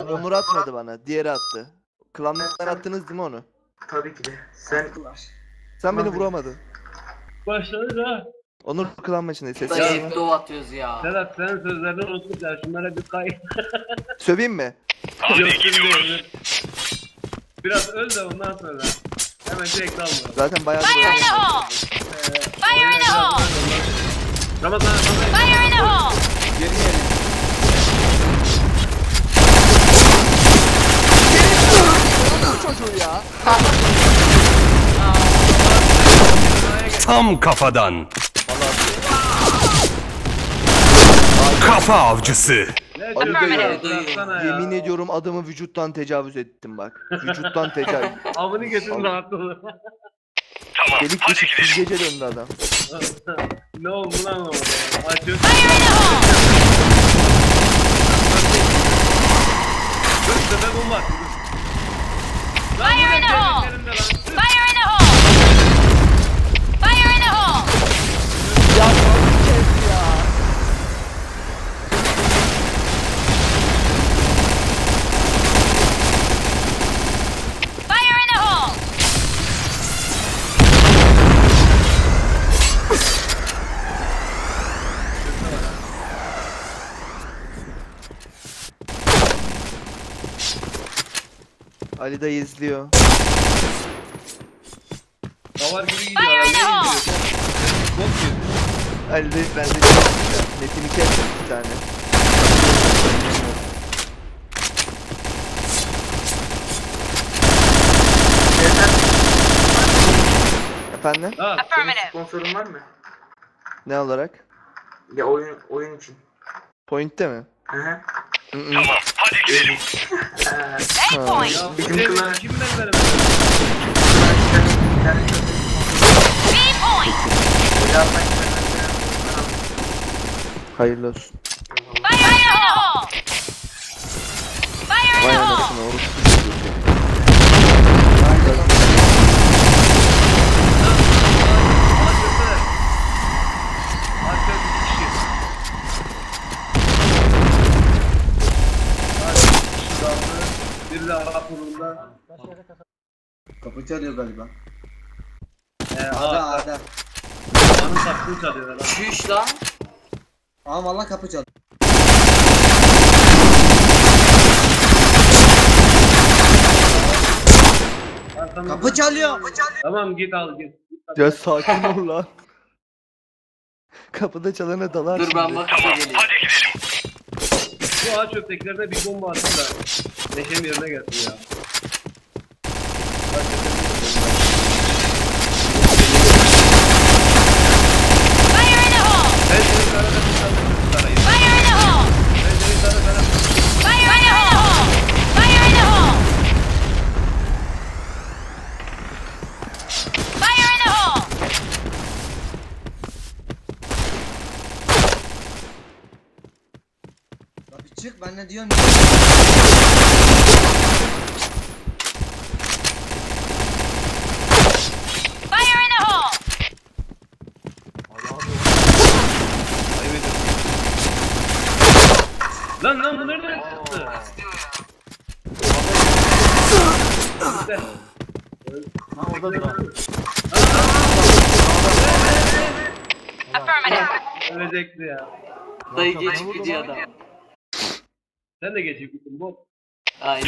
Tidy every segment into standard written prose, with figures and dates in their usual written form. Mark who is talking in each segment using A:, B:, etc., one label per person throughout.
A: Onur atmadı bana. Diğeri attı. Klandan attınız değil mi onu?
B: Tabii ki de. Sen
A: Sen beni vuramadın.
C: Başladı da.
A: Onur klan maçında ses
D: Da
A: var mı?
D: hep dov atıyoruz ya.
C: Sedat senin sözlerini unuttuk ya. Şunlara bir kay.
A: Söveyim mi?
C: Yok şimdi. Biraz öl de ondan sonra. Hemen direkt alma.
A: Zaten bayağı
E: Fire in the hole! Fire in the hole!
C: Ramazan.
E: Fire in the hole!
A: çocuğu ya.
F: Tam kafadan. Kafa avcısı.
C: Ne
A: Ali
C: diyorsun
A: dayı,
C: ya? Bıraksana ya.
A: Yemin ediyorum adamı vücuttan tecavüz ettim bak. Vücuttan tecavüz.
C: Avını getirin rahat ol.
A: Delik deşik süzgece döndü adam.
C: Ne oldu lan o? Açıyor.
E: Fire in the hole!
C: Dur sefer bomba.
E: Fire in the hole! Fire in the hole! Fire in the hole!
A: Ya kes ya.
E: Fire in the hole!
A: Ali dayı izliyor.
C: Davar gibi gidiyor.
E: Fire in the
C: adam.
E: hole!
C: Bok gibi.
A: Ali dayı bende netini kes bir tane. Efendim?
C: Ha,
E: Affirmative.
B: sponsorun var mı?
A: Ne olarak?
B: Ya oyun için.
A: Point'te mi?
B: Hı hı.
E: A point!
C: ya
B: Bizim
C: bizim
B: klan-
C: kim ben
E: B point!
A: Hayırlı olsun.
E: Fire in the hole! Fire in
A: Vay
E: the hole!
A: anasını oğlum.
C: Bir de Arap yolunda.
G: Kapı çalıyor galiba.
C: Ada.
G: Ada.
C: Anın sattığını çalıyorlar lan.
D: Şuş lan.
G: Aa valla kapı çalıyor. Kapı çalıyor.
C: Tamam git al git.
A: Ya sakin ol lan. Kapıda çalana dalar
D: Dur ben
A: şimdi.
D: bakıp geleyim.
C: Bu ağaç öteklerine bir bomba attı da. Neşem yerine gelsin ya.
E: Fire in the hole!
C: Ben seni sarada sarayım.
E: Fire in the hole!
C: Ben seni sarada
E: Fire in the hole! Fire in the hole! Fire in the hole!
G: Kapı çık ben ne diyorum.
E: Fire in the hole!
C: Lan bu nereden çıktı? İşte.
E: Affirmative.
C: Ölecekti ya.
D: Dayı geçip gidiyor adam.
C: Sen de geçip gittin bot.
D: Aynen.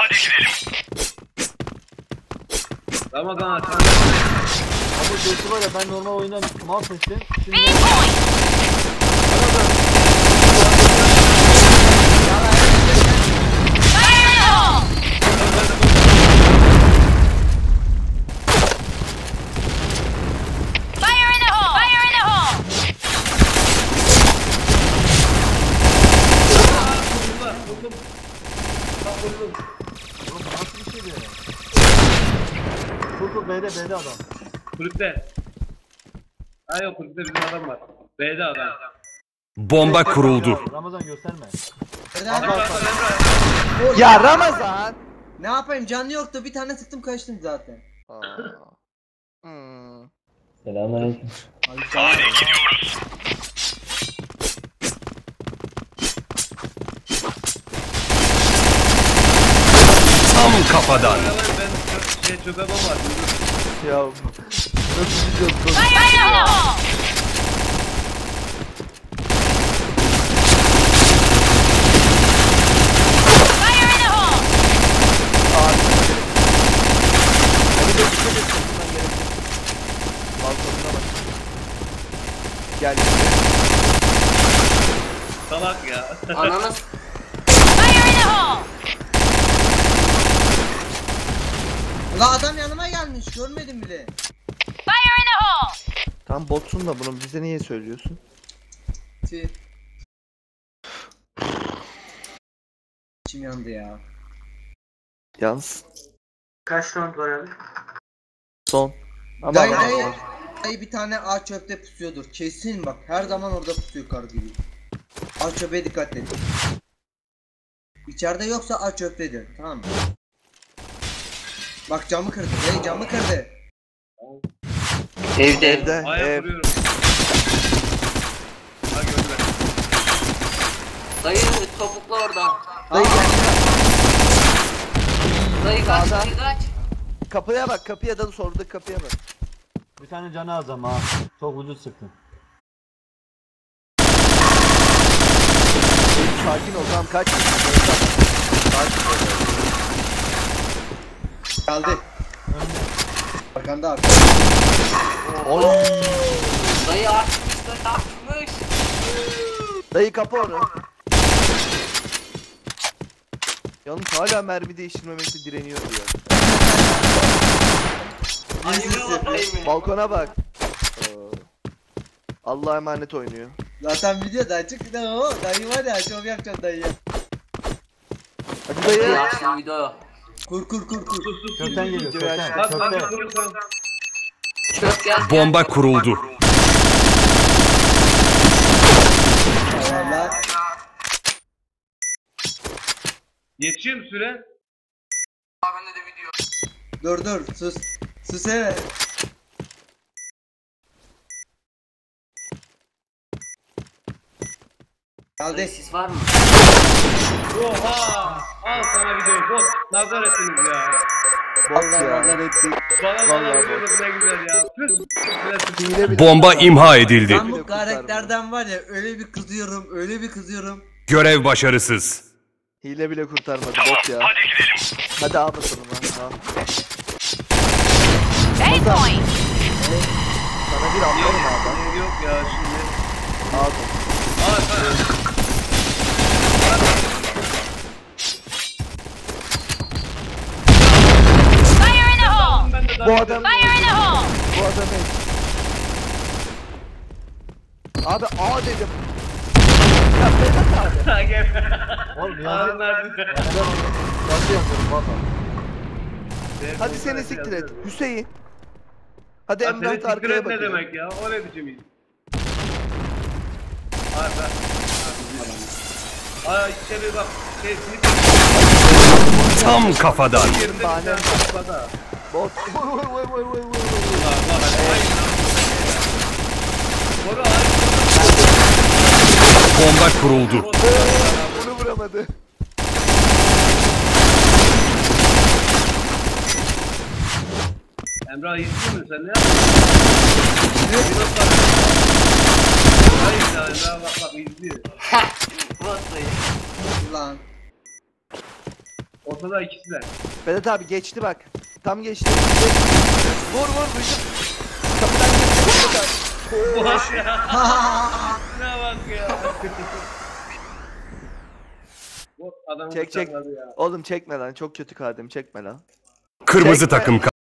C: Ramazan aç.
H: Ama göğsü var ya ben normal oyundan mal seçtim.
E: B
H: Şimdi
E: point! Fire in the hole! Fire in the hole! Fire in the hole!
C: Buldum. Bak buldum.
H: oğlum bu nasıl bir şeydi? Kurtul B'de adam.
C: Kulüpte. Ha yok kulüpte bizim adam var. B'de adam.
F: Bomba kuruldu.
H: Ramazan gösterme.
A: Ya Ramazan!
G: Ne yapayım canlı yoktu bir tane sıktım kaçtım zaten.
A: Aa. Hmm.
H: Selamünaleyküm.
G: Hadi
F: kafadan.
C: Ben çöpe bomba var.
A: Ya nasıl gidiyoruz?
E: Fire in the hole! Fire in the hole!
A: Abi. Hadi de dikkat et. Bundan gerekli. Balkonuna bak. Gel.
C: Salak ya.
D: Ananı
E: Fire in the hole!
G: La adam yanıma gelmiş görmedim bile.
E: Fire in the hole!
A: Tam botsun da bunu bize niye söylüyorsun?
G: Tüh. İçim yandı ya.
A: Yalnız
B: Kaç round var abi?
A: son. Ama
G: Dayı bir tane ağaç çöpte pusuyordur. Kesin bak her zaman orada pusuyor kar gibi. Ağaç çöpe dikkat edin. İçeride yoksa ağaç çöptedir. Tamam mı? Bak camı kırdı. Dayı camı kırdı.
D: evde.
A: evde
C: Ayak
A: ev.
C: vuruyorum. Ha gördüler.
D: Dayı topukla oradan.
A: Dayı gel.
D: Dayı kaç
A: Sağda.
D: dayı kaç.
A: Kapıya bak, kapıya da sorduk, kapıya bak.
H: Bir tane canı az ama ha. Çok ucuz sıktın.
A: Sakin ol, tamam kaç. Sakin ol.
G: Geldi. Arkanda abi.
A: Oy.
D: Dayı açmış dayı açmış.
A: Dayı kapı onu. Yalnız hala mermi değiştirmemekte direniyor diyor.
D: Ayıbı dayı mı?
A: Balkona bak. Allah'a emanet oynuyor.
G: Zaten video da açık. Ne o? Dayı var ya şov yapacağım dayı.
A: Hadi dayı.
D: Yaşlı video.
G: Kur.
H: Kökten geliyor
A: Videoyu
H: kökten.
A: aç.
C: Bak
H: Kökte.
C: vurursan.
D: Çöp gel.
F: Bomba kuruldu.
G: Valla.
C: Yetişiyor mu süre?
G: Dur sus. Sus evet.
D: Dayı
G: Geldi.
D: sis var mı?
C: Oha! Al sana video. Bot. Nazar ettiniz ya.
A: Bot ya.
C: Bana
A: Vallahi
C: vuruyorduk ne güzel ya. Tüh.
A: Hile bile.
F: Bomba imha edildi.
G: Ben bu karakterden var ya öyle bir kızıyorum.
F: Görev başarısız.
A: Hile bile kurtarmadı bot ya. Hadi al bakalım lan.
E: A point!
A: Sana bir atlarım abi.
C: Yok ya şimdi.
A: Aldım.
C: Al sen.
E: Fire in the hole!
C: Ben de
A: Bu adam,
E: Fire in the hole!
A: bu adam Abi A dedim. Ya Vedat abi.
C: daha gel.
H: Oğlum ya.
C: Ağzınlar bize.
H: Nasıl yapıyorum valla.
A: Hadi seni siktir et. Hüseyin. Hadi
C: Ya seni
A: Emrah
C: siktir
A: arkaya
C: et ne
A: bakıyor.
C: demek ya? O ne biçim iş? Arda. Aa içeri bak. Sinip
F: Tam kafadan.
C: yerinde bir
A: Bahane.
C: tane kafada.
A: Bot.
C: Var hadi. Ay. Boru ay.
F: Bomba kuruldu.
A: Bunu vuramadı.
C: Emrah yetiştin mi sen ne yaptın? Hayır ya Emrah bak izliyor.
D: Bot dayı.
G: Lan.
C: Ortada ikisiler.
A: Vedat abi geçti bak. Tam geçti. Vur duydum. Kapıdan geçti. Vedat abi.
C: Bak ya. Ne bak ya. Bu adamı
A: Çek.
C: bıçakladı ya.
A: Oğlum çekme lan. Çok kötü kadim. Çekme lan.
F: Kırmızı
A: Çekme.
F: takım